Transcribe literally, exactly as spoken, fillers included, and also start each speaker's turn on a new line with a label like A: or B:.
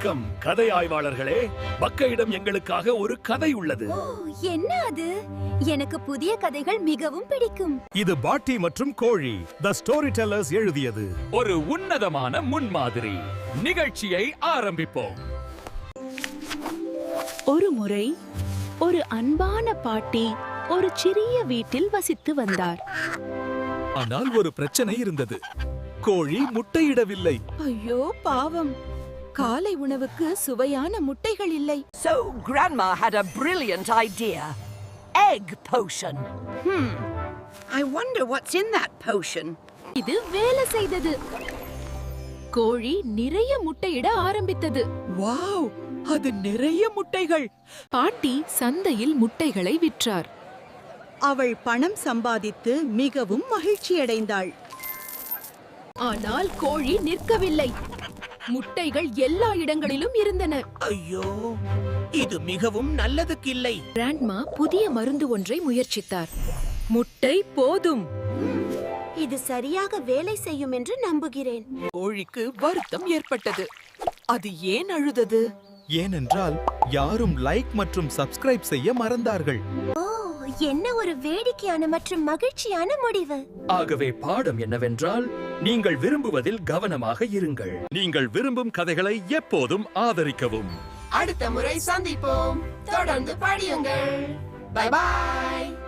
A: வணக்கம் கதை ஆய்வாளர்களே. பக்கையிடம் எங்களுக்காக ஒரு கதை உள்ளது.
B: என்ன அது? எனக்கு புதிய கதைகள் மிகவும் பிடிக்கும்.
C: இது பாட்டி மற்றும் கோழி தி ஸ்டோரி டெல்லர்ஸ் எழுதியது.
A: ஒரு உன்னதமான முன்மாதிரி. நிகழ்ச்சியை ஆரம்பிப்போம்.
D: ஒரு முறை ஒரு அன்பான பாட்டி ஒரு சிறிய வீட்டில் வசித்து வந்தார்.
C: ஆனால் ஒரு பிரச்சனை இருந்தது. கோழி முட்டையிடவில்லை.
D: ஐயோ பாவம், காலை உணவுக்கு சுவையான முட்டைகள் இல்லை.
E: So Grandma had a brilliant idea. Egg potion. Hmm. I wonder what's in that potion.
D: இது வேலை செய்தது. கோழி நிறைய முட்டையிட ஆரம்பித்தது.
E: வாவ், அது நிறைய முட்டைகள்.
D: பாட்டி சந்தையில் முட்டைகளை விற்றார்.
F: அவள் பணம் சம்பாதித்து மிகவும் மகிழ்ச்சியடைந்தாள்.
D: ஆனால் கோழி நிற்கவில்லை. முட்டைகள் எல்லா இடங்களிலும் இருந்தன.
E: ஐயோ, இது மிகவும் நல்லதுக்கில்லை.
D: கிராண்ட்மா புதிய மருந்து ஒன்றை முயற்சித்தார். முட்டை போதும்.
B: இது சரியாக வேலை செய்யும் என்று நம்புகிறேன்.
E: கோழிக்கு வருத்தம் ஏற்பட்டது. அது ஏன் அழுதது?
C: ஏனென்றால் யாரும் லைக் மற்றும் சப்ஸ்கிரைப் செய்ய மறந்தார்கள்.
B: ஓ, என்ன ஒரு வேடிக்கையான மற்றும் மகிழ்ச்சியான முடிவு.
A: ஆகவே பாடம் என்னவென்றால், நீங்கள் விரும்புவதில் கவனமாக இருங்கள். நீங்கள் விரும்பும் கதைகளை எப்போதும் ஆதரிக்கவும்.
E: அடுத்த முறை சந்திப்போம். தொடர்ந்து படியுங்கள். Bye by.